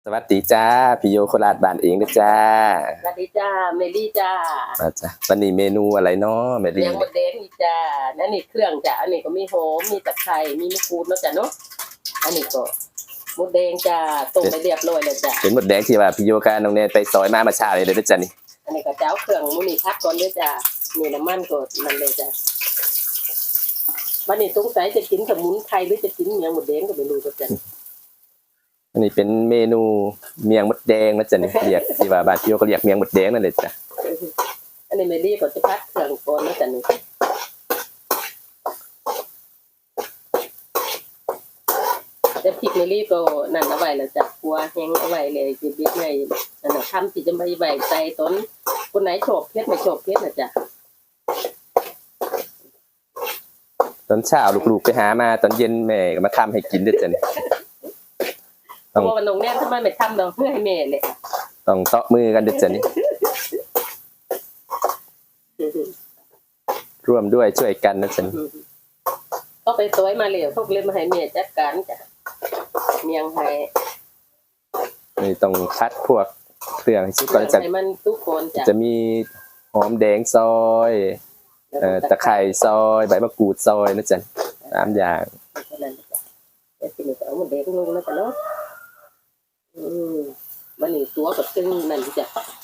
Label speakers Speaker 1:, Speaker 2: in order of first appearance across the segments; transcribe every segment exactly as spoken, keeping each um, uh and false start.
Speaker 1: วัสดีจ้าพี่โยโคราชบ้านเองนะจ้า
Speaker 2: สวัสดีจ้าเมลี่จ้า
Speaker 1: มาจ้าวันนี้เมนูอะไรเนาะเมลี่
Speaker 2: เลี้ยงมดแดงนี่จ้านั่นนี่เครื่องจ้าอันนี้ก็มีหอมมีตะไคร้มีมะกรูดเนาะจ้าเนาะอันนี้ก็มดแดงจ้าต้มไปเรียบร้อยแล้วจ้า
Speaker 1: เป็นมดแดงที่ว่าพี่โยกับน้องเนยไปซอยมามาชาเลยเด้อจ้านี่
Speaker 2: อันนี้ก็เจ้าเครื่องมูนี่พักก่อนเด้อจ้ามีน้ำมันก็นั่นเลยจ้าวันนี้สงสัยจะกินสมุนไพรหรือจะกินเมียงมดแดงก็ไม่รู้จ้า
Speaker 1: อันนี้เป็นเมนูเมียงมดแดงนะจ้านี่เรียกที่ว่าบ้านพี่โยก็เรียกเมียงมดแดงนั่นเลยจ้า
Speaker 2: อันนี้เมลี่ก็จะพักเครื่องก่อนนะจ้านี่แต่พริกเมลี่ก็นั่นเอาไว้แล้วจ้ะกลัวแห้งเอาไว้เลยจิบบิ๊กไงนั่นน่ะทำที่จะไม่ใบใส่ต้นคนไหนชอบเผ็ดไม่ชอบเผ็ดนะจ้ะ
Speaker 1: ตอนเช้าลูกๆไปหามาตอนเย็นแม่ก็มาทำให้กินเด้อจ้านี่
Speaker 2: ต้องว่าน้องแน่ทำไมไม่ทำดอกเพื่อให้แม่เลย
Speaker 1: ต้องเตาะมือกันเด้อจ้านี่ร่วมด้วยช่วยกันนะจ้านี่
Speaker 2: เขาไปสวยมาเลยพวกเลยมาให้แม่จัดการจ้ะเมียงไทย
Speaker 1: นี่ต้องคัดพวกเครื่องให้สุกก่อนจ้ะ
Speaker 2: ให้มันทุกคนจ้ะ
Speaker 1: จะมีหอมแดงซอยเอ่อตะไคร้ซอยใบมะกรูดซอยนะจ๊ะสามอย่าง
Speaker 2: นั่นจ้ะแต่ทีนี้ก็เอาหมดแดงลงแล้วจ้ะเนาะอืมวันนี้ตัวกับซึ่งนั่นจ้ะ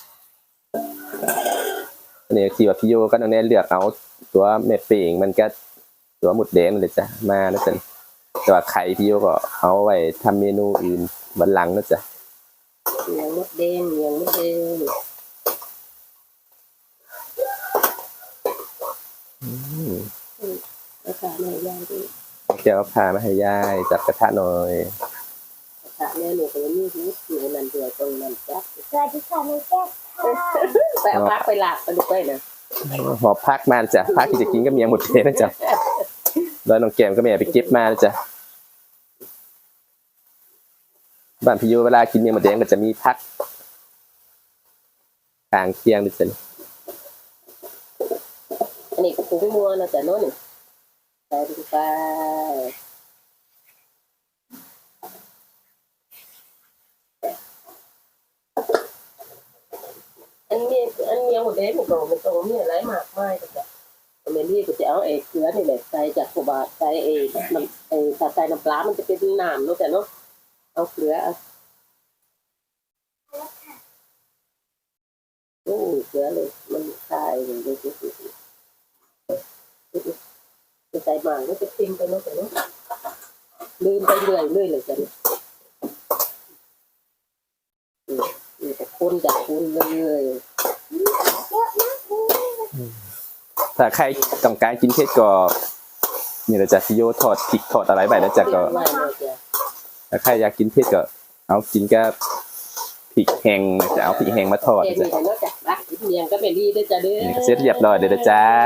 Speaker 1: อันนี้ที่ว่าพี่โยก็น้องแน่เลือกเอาตัวแม่เป่งมันก็ตัวหมดแดงเลยจ้ะมานะจ๊ะแต่ว่าไข่พี่โยก็เอาไว้ทำเมนูอื่นวันหลังนะจ๊ะ
Speaker 2: เมียงมดแดงเมียงมดแดง
Speaker 1: อืม
Speaker 2: เอาขาแม่ย่างดิ
Speaker 1: เดี๋ยวพามาให้ยายจับกระทะหน่อย
Speaker 2: กระทะแม่หนูก็มีหูอยู่นั่นด้วยตรงนั้นจ้ะ
Speaker 3: สวัสดีค่ะน้องแก้วค่ะ
Speaker 2: ไปเอาพักไปหลากไปดูไปนะ
Speaker 1: หอบพักมาจ้ะพักที่จะกินก็เมียหมดเลยนะจ๊ะแล้วน้องแก้มก็แม่ไปเก็บมานะจ๊ะบ้านพี่โยเวลากินเมียหมดแดงก็จะมีพักกลางเคียงนะจ๊ะ
Speaker 2: อันนี้ก็ผงมัวนะจ๊ะโน่นใส่ลงไปอันนี้อันนี้หมดเลยมันก็มันตรงนี้อะไรมากมายจ้ะเมลี่ก็จะเอาไอ้เกลือนี่แหละใส่จากขวดใส่ไอ้น้ำไอ้ถ้าใส่น้ำปลามันจะเป็นน้ำเนาะจ้ะเนาะเอาเกลือโอ้เกลือเลยมันคายเลยเลยจะใส่หมากก็จะทิ้งไปเนาะจ้ะเนาะลืมไปเรื่อยเรื่อยเลยจ้ะนี่แต่คนจากคนเลย
Speaker 1: ถ้าใครต้องการกินเผ็ดก็นี่เราจะพี่โยทอดพริกทอดอะไรไปแล้วจ้ะก็ถ้าใครอยากกินเผ็ดก็เอากินกับพริกแห้งจะเอาพริกแห้งมาทอดจ้ะ
Speaker 2: เมียงก็เป็นดีด้วยจ้ะเด้อ
Speaker 1: เสร็จเรียบร้อยเด้อจ้า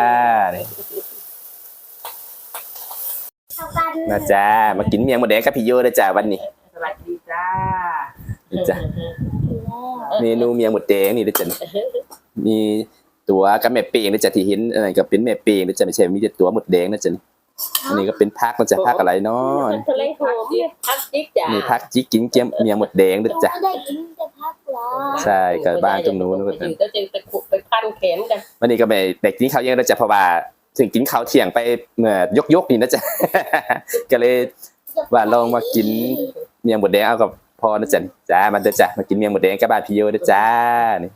Speaker 1: มาจ้ามากินเมียงหมดแดงกับพี่โยเด้อจ้าวันนี้
Speaker 2: สวัสดีจ้า
Speaker 1: จ้ะเมนูเมียงหมดแดงนี่เด้อจ้ะมีตัวกับแม่เป้งนะจ๊ะที่เห็นอะไรก็เป็นแม่เป้งนะจ๊ะไม่ใช่มีแต่ตัวหมดแดงนะจ๊ะอันนี้ก็เป็นผักนะจ๊ะผักอะไรเนาะ
Speaker 2: ทะเลหอมผักจิ๊กจ้ะ
Speaker 1: นี่ผักจิ๊กกินเจียมเมียงหมดแดงนะจ๊ะ
Speaker 3: ได้กินแต่พักหรอ
Speaker 1: ใช่กับบ้านตรงนู้นนะจ๊ะ
Speaker 2: ก็จะไปขุดไปพันแขนกัน
Speaker 1: วันนี้ก็ไม่แต่กินข้าวเย็นนะจ๊ะเพราะว่าถึงกินข้าวเที่ยงไปเมื่อยกยกนี่นะจ๊ะก็เลยว่าลองมากินเมียงหมดแดงเอากับพอนะจ๊ะจ้ามาเด้อจ้ะมากินเมียงหมดแดงกับบ้านพี่โยเด้อจ้านี่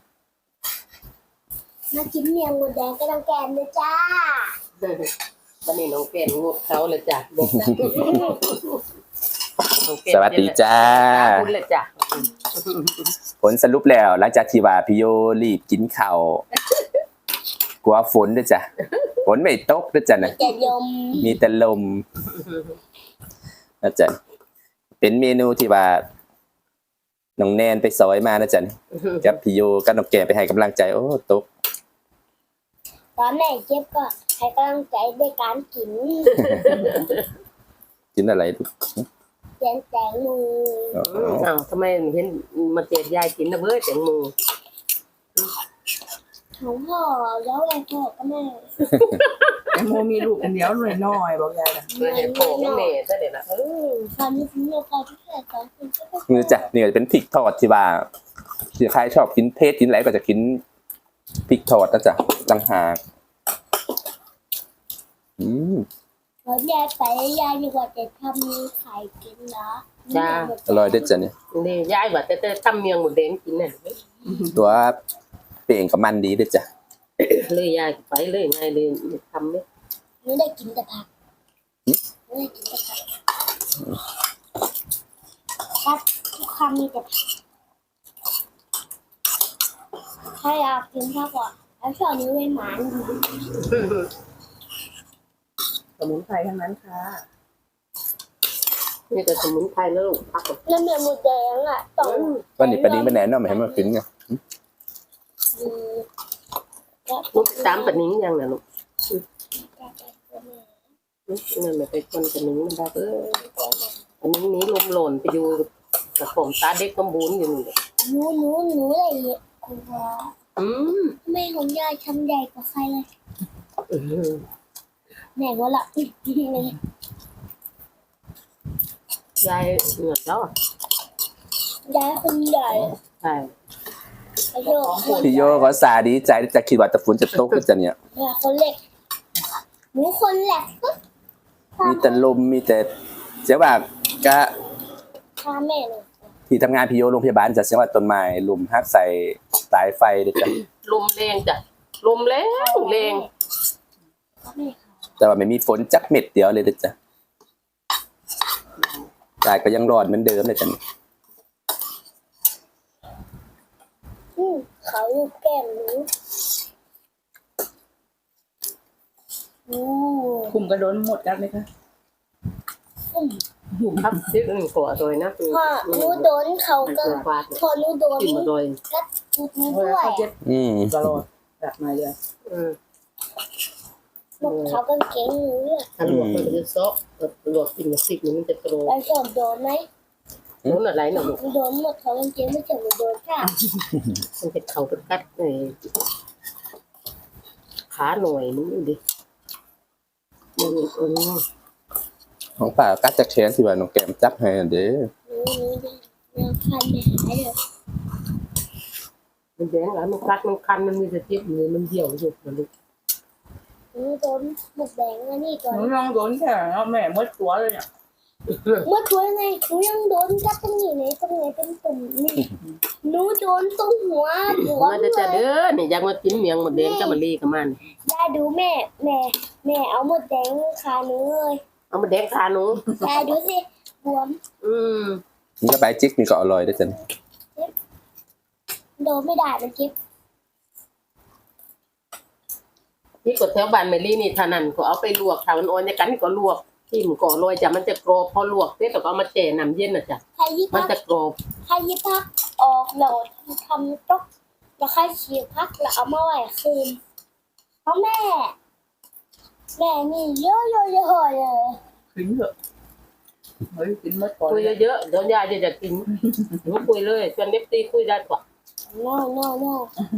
Speaker 3: มากินเมียงมดแดงก็ต้องแกมเลยจ้า
Speaker 2: วันนี้น้องแกมงบเขาเลยจ้ะ
Speaker 1: สวัสดีจ้า
Speaker 2: คุณเลยจ้ะ
Speaker 1: ผลสรุปแล้วหลังจากที่ว่าพี่โยรีบกินข้าวกลัวฝนด้วยจ้ะฝนไม่ตกด้วยจ้ะนะมีแต่ลมนะจ๊ะเป็นเมนูที่ว่าน้องแนนไปซอยมานะจ๊ะกับพี่โยกับน้องแกไปให้กำลังใจโอ้ตก
Speaker 3: ตอนแม่เจ็บก็ให้กำลังใจด้วยการกิน
Speaker 1: กินอะไรลูก
Speaker 3: แตงแตงโม
Speaker 2: อ้าวทำไมเห็นมาเจ็บยายกินนะเบ้อแตงโม
Speaker 3: ของพ่อแล้วอะไรพ่อก็แม่
Speaker 4: โมมีลูกคนเดียวหน่อยน้อยบอกยายนะ
Speaker 2: เพื่อให้พ่อกับแม่ซะเดี๋ยวนะเออ
Speaker 3: ความมีคุณภาพที่แท้สองคนก็เป็น
Speaker 1: นี่จ้ะนี่ก็จะเป็นพริกทอดที่ว่าที่ใครชอบกินเผ็ดกินอะไรก็จะกินพริกทอดนะจ๊ะต่างหากอืม
Speaker 3: แล้วยายไปยายดีกว่าจะทำมีไข่กินเหรอ
Speaker 1: อร่อยเด็ดจ้ะเนี่ย
Speaker 2: นี่ยายว่าแต่แต่ทำเมียงหมูแดงกินน่ะ
Speaker 1: ตัวเป่งกับมันดีเด็ดจ้ะ
Speaker 2: เลยยายไปเลยไงเลยทำเลย
Speaker 3: ไม่ได้กินแต่ผักไม่ได้กินแต่ผักผักทุกคำมีแต่ผักถ้าอยากกินผักอ่ะแล้วชอบนี้เป็นหมาดี
Speaker 4: สมุนไพรทั้งนั้นค่ะ
Speaker 2: นี่ก็สมุนไพรแล้วลูกพัก
Speaker 3: แล้วเนื้อหมูแดงอ่ะต้อง
Speaker 1: วันนี้ปลาดิ้งไปแหนนเนาะไม่ให้มากินไง
Speaker 3: อืม
Speaker 2: ลูกตามปะนิ้งยังน่ะลูกนั่นแหละไปคนปะนิ้งมันได้เออปะนิ้งนี้ลมหล่นไปอยู่กับผมตาเด็กกำบูนอยู่นี่
Speaker 3: หนูหนูหนูอะไรเนี่ยคุณพ่อ
Speaker 2: อืม
Speaker 3: แม่ของยายทำใหญ่กว่าใครเลย
Speaker 2: เออ
Speaker 3: แม่ว่าละอุ๊ยเลย
Speaker 2: ยายเหนื่อยแล้วอ่ะ
Speaker 3: ยายคนใหญ่
Speaker 2: ใช่
Speaker 3: ประโยคคน
Speaker 1: พี่โยก็สาดีใจจะคิดว่าตะฝนจะตกขึ้นจ้ะเนี่ย
Speaker 3: แม่คนเล็กหนูคนแหลกก็
Speaker 1: มีแต่ลมมีแต่เสียงว่าก็
Speaker 3: พาแม่เลย
Speaker 1: ที่ทำงานพี่โยโรงพยาบาลจะเสียงว่าต้นไม้ลุมฮักใส่สายไฟเด็ดจ้ะ
Speaker 2: ลมแรงจ้ะลมแรงแรง
Speaker 3: พาแม่ค่ะ
Speaker 1: แต่ว่าไม่มีฝนจักเม็ดเดียวเลยเด็ดจ้ะยายก็ยังรอดเหมือนเดิมเลยจ้ะ
Speaker 3: อืมเขาลูกแก้มหนูอู้
Speaker 4: คุมกระโดนหมดกันไหมคะ
Speaker 3: อืม
Speaker 2: ครับซื้อหนึ่งตัวตัวนะคือ
Speaker 3: พ่อหนูโดนเขาก็
Speaker 2: ตัวฟาด
Speaker 3: พอหนูโดน
Speaker 2: กินมาโดย
Speaker 3: กัดจุดนี้
Speaker 4: เว
Speaker 3: ด้ว
Speaker 4: ลาย เขาเจ็บ
Speaker 1: อืม
Speaker 4: ตลอดแบบมาเลย
Speaker 2: อืม
Speaker 3: หมดเขาก็เก่งหนูเนี่ย
Speaker 2: ถ้าลวกมันจะซอกลวกกินมาสิบนี่มันจะโต
Speaker 3: แล้วชอบโดนไหม
Speaker 2: โน่นอะไรน่ะลูก
Speaker 3: หนูโดนหมดเขาก็เก่งไม่ใช่หนูโดนค่ะ
Speaker 2: มันจะเข่าเป็นกัดเลยขาหน่อยนึงดิมันอืม
Speaker 1: ของป่ากัดจากแขนสิว่าน้องแก้มจับให้เด้อ
Speaker 3: หนูหนูแนวคันไม่หายเลย
Speaker 2: มันแดงแล้วมันกัดมันคันมันมีสะเจ็บเลยมันเหี่ยวสุดมันลูก
Speaker 3: หนูโดนหมดแดงแล้วนี่ก่อน
Speaker 4: หนูลองโดนแค่แล้วแม่มดตัวเลยเนี่ย
Speaker 3: เมื่อตัวยังไงหนูยังโดนกัดตรงนี้เลยตรงไหนเป็นตุ่มนี่หนูโดนตรงหัวหัว
Speaker 2: มัน
Speaker 3: เล
Speaker 2: จะจะ
Speaker 3: ย
Speaker 2: เด้อนี่อยากมากินเมียงหมดแดงจะมาลีกับมัน
Speaker 3: ยายดูแม่แม่แม่เอาหมดแดงขาหนูเลย
Speaker 2: เอามาแดงขาหนู
Speaker 3: ยายดูสิบวม
Speaker 2: อืม
Speaker 1: นี่ก็ใบจิกนี่ก็อร่อยเด้อจ้ะ
Speaker 3: โดนไม่ได้มันเจ็บ
Speaker 2: นี่กดแถวบ้านเมลี่นี่เท่านั้นก็เอาไปลวกถ้ามันอ่อนจะกันก็ลวกที่มันก่อลอยจ้ะมันจะกรอบพอลวกเสร็จแล้วก็เอามาแช่น้ำเย็นน่ะจ้ะ
Speaker 3: ใครยิบ
Speaker 2: มัน
Speaker 3: พัก
Speaker 2: จะกรอบ
Speaker 3: ใครยิบพักออกโหลดทำต๊อกแล้วใครฉีกพักแล้วเอามาไว้คืนเพราะแม่ แม่นี่เยอะเยอะเยอะเลย
Speaker 4: กินเถอะเฮ้ยกินมดก่อน
Speaker 2: คุยเยอะๆเดี๋ยวยายจะจะกินหนูคุยเลยชวนเด็บตีคุยได้กว่า
Speaker 3: no no no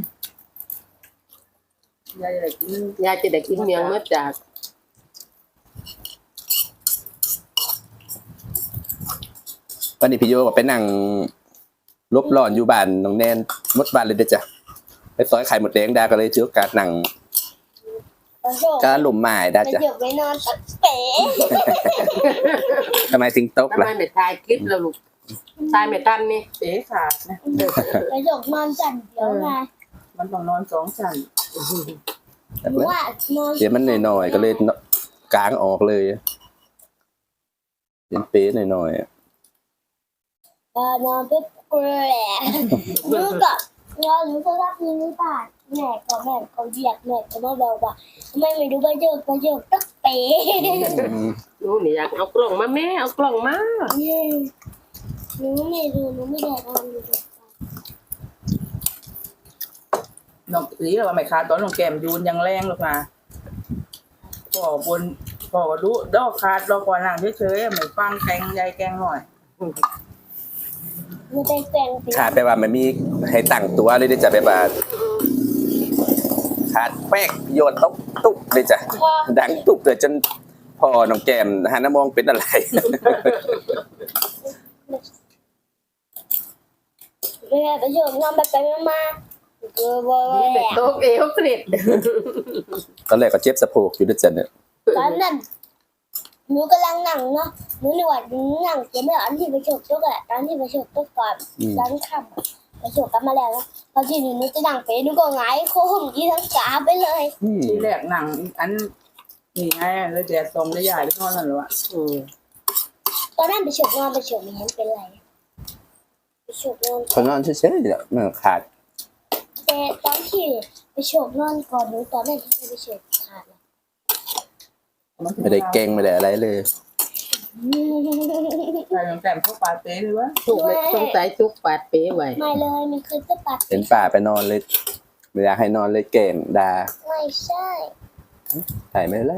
Speaker 4: ยายจะได้กิน
Speaker 2: ยายจะได้กินเมียงเมื่อจาก
Speaker 1: วันนี้พี่โยก็ไปนั่งลบร้อนอยู่บ้านน้องแนนหมดบ้านเลยเด้อจ้ะไปซอยไข่หมดแดงดาก็เลยถือโอกาสนั่ง
Speaker 3: ประโยค
Speaker 1: ก็หลุมไม้ได้
Speaker 3: ประ
Speaker 1: จ้ะ
Speaker 3: โยคไปนอนตักเป๋
Speaker 1: ทำไมถึงตก
Speaker 2: ทำไม
Speaker 1: ล่ะ
Speaker 2: ไม่ถ่ายคลิปแล้วลูกถ่ายไม่ทันนี่
Speaker 4: เจ๊ขาดนะ
Speaker 3: ประโยคนอนจันเดี๋ยวมา
Speaker 4: มันต้องนอนสองชั้น
Speaker 1: แบบ
Speaker 3: หนู
Speaker 1: นั้น
Speaker 3: ว่านอน
Speaker 1: เดี๋ยวมันหน่อยๆก็เลยกางออกเลยเป็นเป๊ะหน่อยๆอะ
Speaker 3: เออนอนปุ๊บกระแหละหนูก็นอนหนูก็รับมือไม่ได้แม่ก็แม่ก็เหยียดแม่ก็มาบอกว่าทำไมไม่ดูประโยคประโยคตักเป๋
Speaker 1: อืม
Speaker 2: หนูนี่อยากเอากล่องมาแม่เอากล่องมา
Speaker 3: หนูไม่ดูหนูไม่ได้นอนดู
Speaker 4: น้องสีเราไม่ขาดตอนน้องแก้มยูนยังแรงหรอกนะพ่อบนพ่อก็รู้ดอกขาดเราก่อนหลังเฉยๆไม่ฟังแกงยายแกงหน่อย
Speaker 3: หนูไปแปลงสี
Speaker 1: ขาดไปว่ามันมีให้ตั้งตัวเลยเด้อจ้ะแบบว่าขาดแป๊กโยนตุ๊บตุ๊บเลยจ้ะดังตุ๊บเลยจนพอน้องแก้มหันมามองเป็นอะไร
Speaker 3: เรียนไปโยนนอนไปไปมาเออบ่
Speaker 2: นี่
Speaker 3: แห
Speaker 2: เด็ก
Speaker 3: ละ
Speaker 2: โต๊ะเอวสนิท
Speaker 1: ตอนแรกก็เจ็บสะโพกอยู่ด้วยจ้ะเนี่ย
Speaker 3: ตอนนั้นหนูกำลังนั่งเนาะหนูนึกว่าหนูนั่งเจ็บไม่อันที่ไปโฉกตุ๊กอะตอนที่ไปโฉกตุ๊กก่อน
Speaker 1: อืม
Speaker 3: ตอนค่ำอะไปโฉกกลับมาแล้วนะพอที่หนูจะนั่งไปหนูก็หงายโค้งยี่ทั้งกาไปเลย
Speaker 1: อืม
Speaker 4: ที่แรกหนังอันนี่ไงแล้วแดดส่องได้ใหญ่ที่นอนนั่นหรอวะ
Speaker 2: อืม
Speaker 3: ตอนนั้นไปโฉกนอนไปโฉกไม่เห็นเป็นไรไปโฉกนอน
Speaker 1: เขานอนเฉยๆเนี่ยมันขาด
Speaker 3: แต่ตอนที่ไปโฉกนอนก่อนหนูตอนนั้นที่ไปโฉกขาดแล้ว
Speaker 1: ไม่ได้เก่งไม่ได้อะไรเลย
Speaker 4: ใส่น้ำแต้มเข้าปลาเต้เลยวะ
Speaker 2: ถูกเลยสงสัยจุกปาดเป๊ไว้
Speaker 3: ไม่เลยมันเคยจะปัด
Speaker 1: เห็นป่าไปนอนเลยไม่อยากให้นอนเลยเก่งดา
Speaker 3: ไม่ใช่
Speaker 1: ถ่ายไม่แล้ว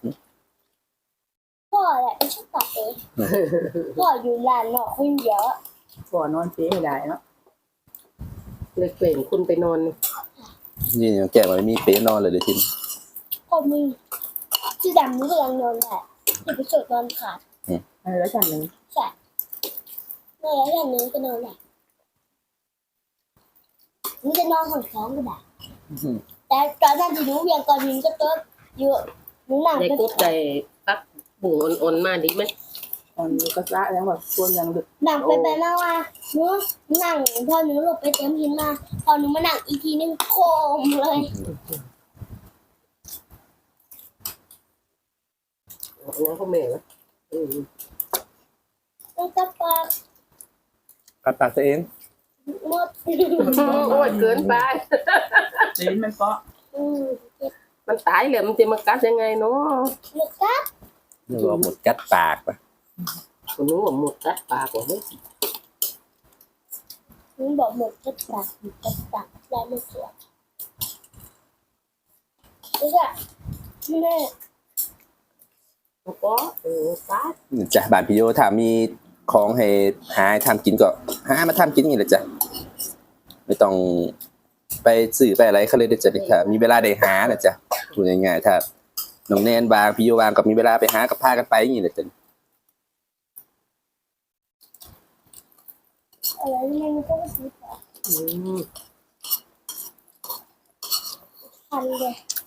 Speaker 3: พ่อแหละไม่ชอบปัดเองพ่ออยู่ลานนอกคนเดียวอะ
Speaker 4: ก่อนนอนเต้ไม่ได้เนาะ
Speaker 2: เลยเปลี่ยนคุณไปนอน
Speaker 1: นี่น้องแก้มไม่มีเป๊ะนอนเลยเดี๋ยวทีนี้
Speaker 3: พ่อมีที่ดำหนูกำลังนอนแหละที่ไปโฉกนอนขาด
Speaker 4: เออแล้วฉันหนึ่ง
Speaker 3: ใช่แม่แล้วอย่างนี้ก็นอนแหละหนูจะนอนห้องสองก็ได้แต่ตอนนั้นที่หนูเวียงก่อนหนูก็เติบอยู่หนูนั่ง
Speaker 2: ยาย
Speaker 3: ไป
Speaker 2: กุ๊ดใจปักบุ๋งอ่อนๆมาดีไหม
Speaker 4: ตอนนี้ก็ละแล้วแบบส่วนยังดึก
Speaker 3: นั่งไปไปมาว่าหนูนั่งพอหนูหลบไปเต็มหินมาพอหนูมานั่งอีกทีนึงโคมเลย
Speaker 2: นั่นเขาแม่ละอืม
Speaker 3: แล้วก็ปาก
Speaker 1: กัดปากตัวเอง
Speaker 3: หมด
Speaker 2: โอ้ยเกินไป
Speaker 4: ตีนมันเปาะ
Speaker 3: อืม
Speaker 2: มันตายเลยมันจะมากัดยังไงเนาะ
Speaker 3: หมดกัด
Speaker 1: นึกว่าหมดกัดปากปะ
Speaker 2: คนนู้นว่าหมดกัดปากกว่าเฮ้ย
Speaker 3: หนูบอกหมดกัดปากหมดกัดปากได้ไม่สวยนี่ค่ะแม่
Speaker 2: แล้วก็เออกัด
Speaker 1: จ้ะบ้านพี่โยถ้ามีของให้หาให้ทำกินก็หามาทำกินนี่แหละจ้ะไม่ต้องไปสื่อไปอะไรเขาเลยเดี๋ยวจะถ้ามีเวลาได้หานะจ๊ะพูดง่ายๆถ้าน้องแนนบางพี่โยบางก็มีเวลาไปหากับพากันไปอย่างนี้แหละจ้ะ
Speaker 3: อะไรนี่มันก็ไม่ซื้อปาก
Speaker 2: อืม
Speaker 3: พันเลย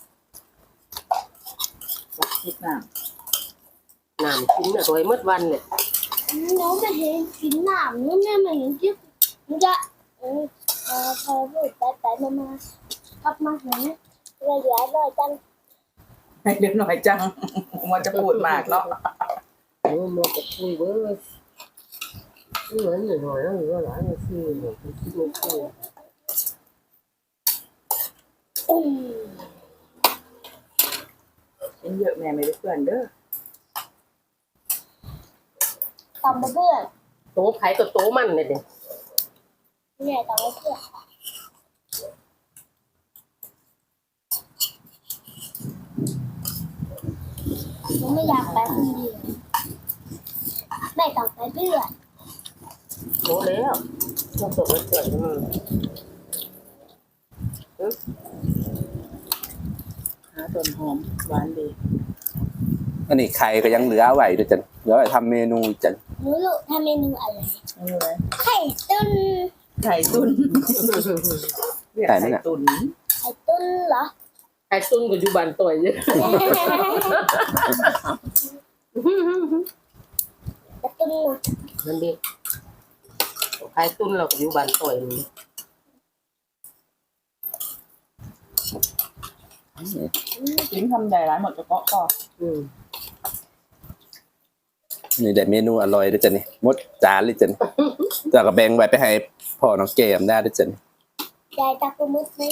Speaker 4: คิดหน้า
Speaker 2: น้ำกินอะโดยมืดวันเนี่ย
Speaker 3: หนูไม่เห็นกินน้ำนู่นนี่มันจิ๊บมันจะเออพอพอพูดไปไปมามากลับมาเห็นเลยเหลือเลยจัง
Speaker 4: ให้เล็กหน่อยจังมันจะพูดมากเนาะ
Speaker 2: โอ้หมดกับคุยเว้ยเหมือนหน่อยหน่อยแล้วหรือว่าหลายนาทีหน่อยคิดดูคุย
Speaker 3: อืม
Speaker 4: เป็นเยอะแม่ไม่ได้เพื่อนเด้อ
Speaker 3: ตำมาเพื่อน
Speaker 2: โตไผ่ก็โตมันเนี่ยเด็ก
Speaker 3: เนี่ยตำมาเพื่อนหนูไม่อยากไปคนเดียวแม่ต้องไปเพื่อน
Speaker 2: โตแล้วต้องตกแล้วเกิดมัน
Speaker 4: หาต้นหอมหวานดี
Speaker 1: อันนี้ไข่ก็ยังเหลือไว้ด้วยจ้ะเหลือไว้ทำเมนูอีกจ้ะ
Speaker 3: หนูรู้ทำเมนูอะไร
Speaker 4: ไม่รู้เลย
Speaker 3: ไข่ตุ้น
Speaker 4: ไข่ตุนเรียกไข่ตุน
Speaker 3: ไข่ตุ้นเหรอ
Speaker 2: ไอ้ตุ้นก็อยู่บ้านต่อยเยอะ
Speaker 3: ไข่ตุ้นนะ
Speaker 2: นั่นดิไอ้ตุ้นเราก็อยู่บ้านต่อยนี่
Speaker 4: ลิ้นทำใหญ่ร้านหมดเฉพาะก็
Speaker 2: อืม
Speaker 1: นี่ได้เมนูอร่อยด้วยจ้ะนี่หมดจานเลยจ้ะนี่แต่ก็แบ่งไว้ไปให้พ่อน้องแก้มได้ด้วยจ้ะนี่
Speaker 3: ยายตากุมุดไหม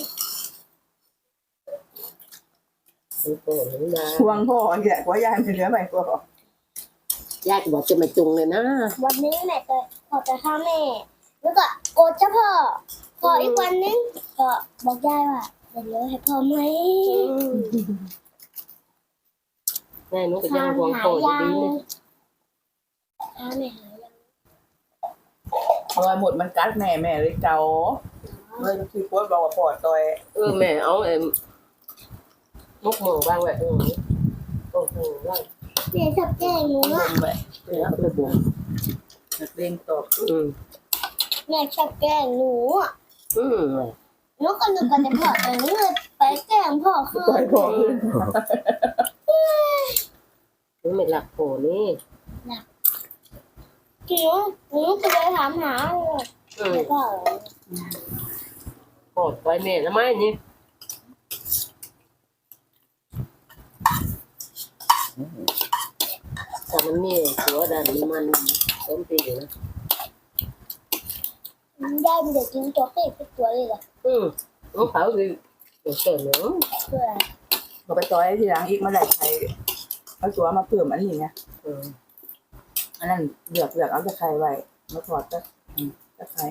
Speaker 2: มันโตแล้วนะ
Speaker 4: ทวงพ่อแกว่ายายไม่เหลือไหมพ่อย
Speaker 2: ายก็บอกจะมาจุงเลยนะ
Speaker 3: วันนี้แม่ก็ขอไปข้าแม่ แล้วก็โกรธเจ้าพ่อพออีกวันนึงก็บอกยายว่าเดี๋ยวเหลือให้พ่อไหม
Speaker 2: แม่หนูก็ยัง
Speaker 3: ทาน
Speaker 2: ห่วง
Speaker 3: หา
Speaker 2: โตอยู่
Speaker 3: ยา
Speaker 2: ดี
Speaker 3: ง
Speaker 2: เลย
Speaker 3: ทานไม่หายยัง
Speaker 4: เพราะว่าหมดมันกัดแม่แม่เลยเจ้าเลยที่โพสต์บอกว่าพ่อต่อย
Speaker 2: เออแม่เอาเอ็มมุกหมูบ้างแบบเออโอ้โหว่า
Speaker 3: แม่ชอบแกล้งหนู
Speaker 4: บ
Speaker 3: อ่ะ
Speaker 4: งแบบ
Speaker 2: เออเอาไปบ่ง
Speaker 4: นักเรียนตอบ
Speaker 2: อืม
Speaker 3: แม่ชอบแกล้งหนูอ่ะ
Speaker 2: อืม
Speaker 3: หนูก็นึกว่าจะพ่อแต่หนูเลยไปแกล้งพ่อคือ
Speaker 4: ต่อยบอกเลย
Speaker 2: นี่ไม่หลักโผนี่
Speaker 3: หนูหนูก็เลยถามหา
Speaker 2: อืม
Speaker 3: แต่พ่อ
Speaker 2: โผไปแม่ทำไมนี่แต่มันมีตัวดันมันต้มตีอยู่นะ
Speaker 3: ยายมันจะกินตัวเป็ดเป็นตัวเลยเหรอ
Speaker 2: อืมน้องเขาคือเดี๋ยวเกิดเนาะ
Speaker 3: เพื่อ
Speaker 4: มาไปต่อยทีหลังอีกมาได้ใครเอาตัวมาเพิ่มอันนี้ไง
Speaker 2: อืม
Speaker 4: อันนั้นเลือกเลือกเอาตะไคร้ไว้มาถอดตะอืมตะไคร้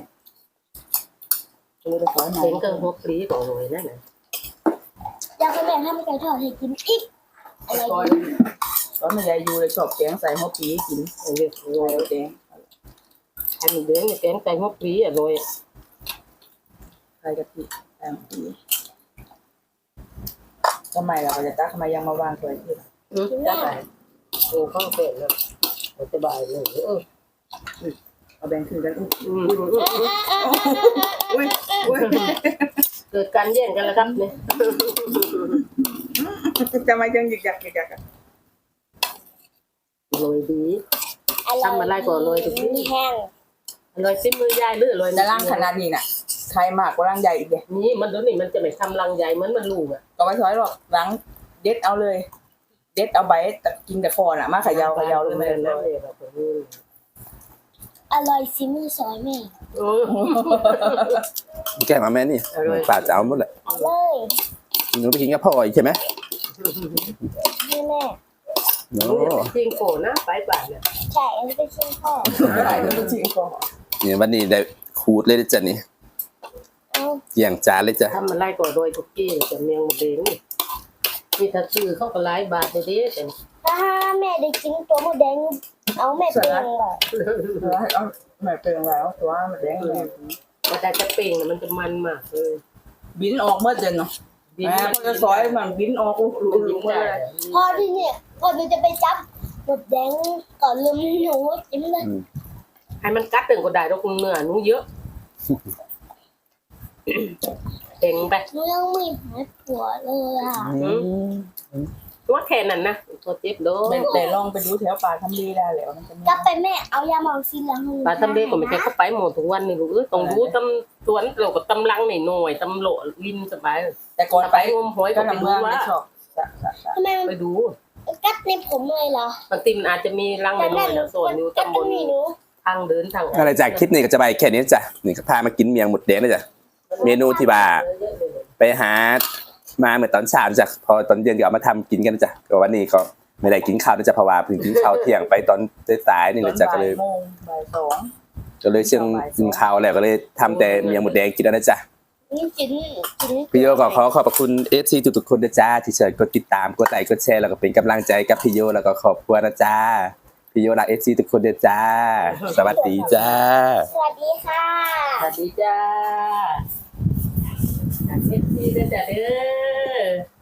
Speaker 4: เลยตะไคร้ใหม่
Speaker 2: เห็นกันหัวปลีก่อนเลยนั่นน่ะ
Speaker 3: อยากให้แม่ทำไก่ทอดให้กินอีกอะไร
Speaker 4: ตอนตอนแม่ยายอยู่เลยชอบแกงใส่หัวปีกิน
Speaker 2: อันนี้โร
Speaker 4: ใส่
Speaker 2: ย
Speaker 4: แดง
Speaker 2: อันนี้เดือนแกงไก่หัวปลีอ่ะโรย
Speaker 4: ใส่กะทิใส่หัวปีทำไมเราก็จะตักทำไมยังมาวางตัวที่
Speaker 2: อืมได้โอ้ข้าวเป็ดนะสบายเลยเออ
Speaker 4: เอาแบ่งคืนกันอุ้ย
Speaker 2: อืมอืมอืม
Speaker 4: อุ้ยอุ้ย
Speaker 2: เกิดการแย่งกันแล้วครับเนี่ย
Speaker 4: ทำไมจังหยิกยักหยิกยักอะ
Speaker 2: โรยดี ทำอะไรก่อนเลยทุกที
Speaker 3: มีแห้ง
Speaker 2: โรยซิมือยายหรือโรย
Speaker 4: แต่ร่างขนาดนี้น่ะใครมากกว่าร่างใหญ่อีกเลย
Speaker 2: นี่มันตัวนี้มันจะไม่ทำรังใหญ่เหมือนมันลูกอ่ะ
Speaker 4: ก็ไม่ช้อยหรอกล้างเด็ดเอาเลย เด็ดเอาใบแต่กินแต่คอน่ะมาเขยาวขยาวเลยไม่ได้
Speaker 2: เล
Speaker 4: เลย
Speaker 2: ยแบบนี้
Speaker 3: อร่อยซิมือซอยแม่
Speaker 2: โอ้
Speaker 1: แกมาแม่นี่ป่าจะเอาหมดแหละ
Speaker 3: เอาเลย
Speaker 1: หนูไปกินกับพ่ออีกใช่ไหม
Speaker 3: นี่แม่
Speaker 1: โอ้
Speaker 2: จริงโกนะไปป่าเนี่ย
Speaker 3: ใช่อันนี้เป็นชิ้นพ่อ
Speaker 4: ไม่ได้เลยจริงก็
Speaker 1: เนี่ยวันนี้ได้ขูดเลยจ้ะนี่
Speaker 3: เอา
Speaker 1: เกี่ยงจานเลยจ้ะ
Speaker 2: ทำอะไรก่อนโรยทุกกี้แต่เมียงหมดเด้งมีถ้าซื้อเขาก็หลายบาทเลยเด้แต่
Speaker 3: ถ้าแม่ได้กินตัวหมูแดงเอาแม่เป็นเหรอ
Speaker 4: เอาไม่เป็นแล้วตัวมันแดงเลย
Speaker 2: มันแต่จะเป่งมันจะมันมากเลย
Speaker 4: บินออกเมื่อเดือนเนาะแม่เขาจะซอยมันบินออกลุก
Speaker 2: มัน
Speaker 4: ลุ
Speaker 2: ยิ่
Speaker 4: ก
Speaker 2: ง
Speaker 4: มา
Speaker 2: ได้
Speaker 4: เลย
Speaker 3: พอที่เนี่ยก่อนหนูจะไปจับหมูแดงก่อนลืมหนูจิ้มเลย
Speaker 2: ให้มันกัดตึงก็ได้ดอกเนื้อหนูเยอะเป่งไป
Speaker 3: หนูยังไม่หายปวดเลยอ่ะ
Speaker 2: ว่าแค่นั้นนะตัวเจ็บโด
Speaker 4: แม่แต่ลองไปดูแถวป่าทำดีได้แล้วมันจะ
Speaker 3: กลับไปแม่เอายาหมองซินแล้วให้
Speaker 2: ปลาทำเด็กก็ไม่ใช่เข้าไปหมดทุกวันนี่ลูกเอ้ยต้องรู้ตำสวนเราก็ตำลังหน่อยหน่อยตำโหลลินสบาย
Speaker 4: แต่ก่อน
Speaker 2: ไป
Speaker 4: ไป
Speaker 2: งมหอย
Speaker 4: ก็
Speaker 2: ก็ไป
Speaker 4: ทำ
Speaker 2: ดู
Speaker 4: เมือง
Speaker 2: ว่า
Speaker 4: ไม่ชอบ
Speaker 3: ทำไมมัน
Speaker 2: ไปดู
Speaker 3: กัดในผมเลยเหรอบ
Speaker 2: างทีมันอาจจะมีรังห
Speaker 3: แต่
Speaker 2: น่
Speaker 3: แม่
Speaker 2: อย
Speaker 3: หนู
Speaker 2: ๆนะส่วนอยู่
Speaker 3: กัด
Speaker 2: ตำ
Speaker 3: ต
Speaker 2: บ
Speaker 3: รง
Speaker 2: ล
Speaker 3: นี้หนู
Speaker 2: ทางเดินทาง
Speaker 1: อะไรจากคลิปนี้ก็จะไปแค่นี้จ้ะนี่ก็พามากินเมียงหมดแดงนะจ้ะเมนูที่ว่าไปหามาเหมือนตอนเช้าจ้ะพอตอนเย็นก็เอามาทำกินกันนะจ้ะก็วันนี้ก็ไม่ได้กินข้าวนะจ้ะเพราะว่าเพิ่งกินข้าวเที่ยงไปตอนสายๆนี่แหละจ้ะก็เลย
Speaker 4: โมงบ่ายสอง
Speaker 1: ก็เลยเชียงกินข้าวแล้วก็เลยทำแต่เมียงหมดแดงกินแล้วนะจ๊ะ
Speaker 3: นี่กินกิน
Speaker 1: พี่โยก็ขอขอบพระคุณเอฟซีทุกๆคนนะจ้าที่เชิญกดติดตามกดไลค์กดแชร์แล้วก็เป็นกำลังใจกับพี่โยแล้วก็ขอบคุณนะจ้าพี่โยรักเอฟซีทุกคนนะจ้าสวัสดีจ้า
Speaker 3: สวัสดีค่ะ
Speaker 2: สวัสดีจ้าเอฟซีเด้อจ้าเด้อ